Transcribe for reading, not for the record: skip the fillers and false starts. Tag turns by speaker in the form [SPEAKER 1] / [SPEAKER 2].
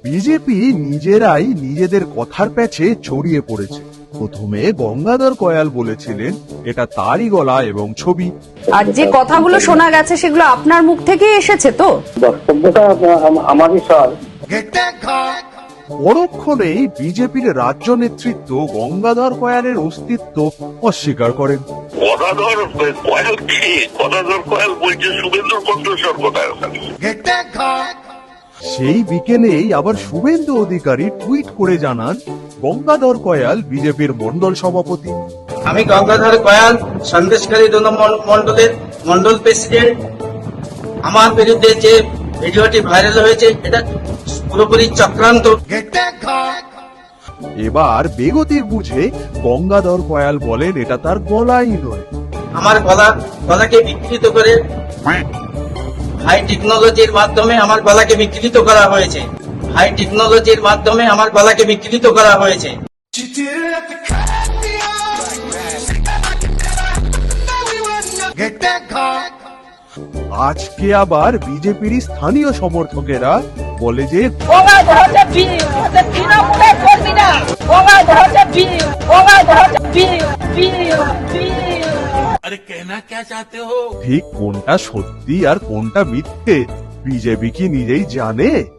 [SPEAKER 1] BJP নিজেরাই নিজেদের কথার প্যাচে জড়িয়ে পড়েছে। প্রথমে গঙ্গাধর কয়াল বলেছিলেন এটা তারই গলা এবং ছবি।
[SPEAKER 2] আর যে কথাগুলো শোনা গেছে সেগুলো আপনার মুখ থেকেই এসেছে তো?
[SPEAKER 3] বক্তব্যটা আমারই স্যার।
[SPEAKER 1] পরক্ষণেই বিজেপির রাজ্য নেতৃত্ব গঙ্গাধর কয়ালের অস্তিত্ব অস্বীকার করেন।
[SPEAKER 4] গদাধর কয়াল বলছে শুভেন্দুর কণ্ঠস্বর কোথায় ওখানে।
[SPEAKER 1] সেই বিকেলেই আবার শুভেন্দু অধিকারী টুইট করে জানান গঙ্গাধর কয়াল বিজেপির মন্ডল সভাপতি।
[SPEAKER 5] আমি গঙ্গাধর কয়াল সন্দেশকারী 2 নম্বর মন্ডলের মন্ডল প্রেসিডেন্ট। আমার বিরুদ্ধে যে ভিডিওটি ভাইরাল হয়েছে এটা পুরোপুরি চক্রান্ত।
[SPEAKER 1] এবার বেগতিক বুঝে গঙ্গাধর কয়াল বলেন এটা তার গলাই নয়।
[SPEAKER 5] আমার গলাকে বিকৃত করে হাই টেকনোলজির মাধ্যমে আমার গলাকে বিকৃত করা হয়েছে। হাই টেকনোলজির মাধ্যমে আমার গলাকে বিকৃত করা হয়েছে।
[SPEAKER 1] আজকে আবার বিজেপির স্থানীয় সমর্থকেরা বলে যে ঠিক কোনটা সত্যি আর কোনটা মিথ্যে বিজেপি কি নিজেই জানে?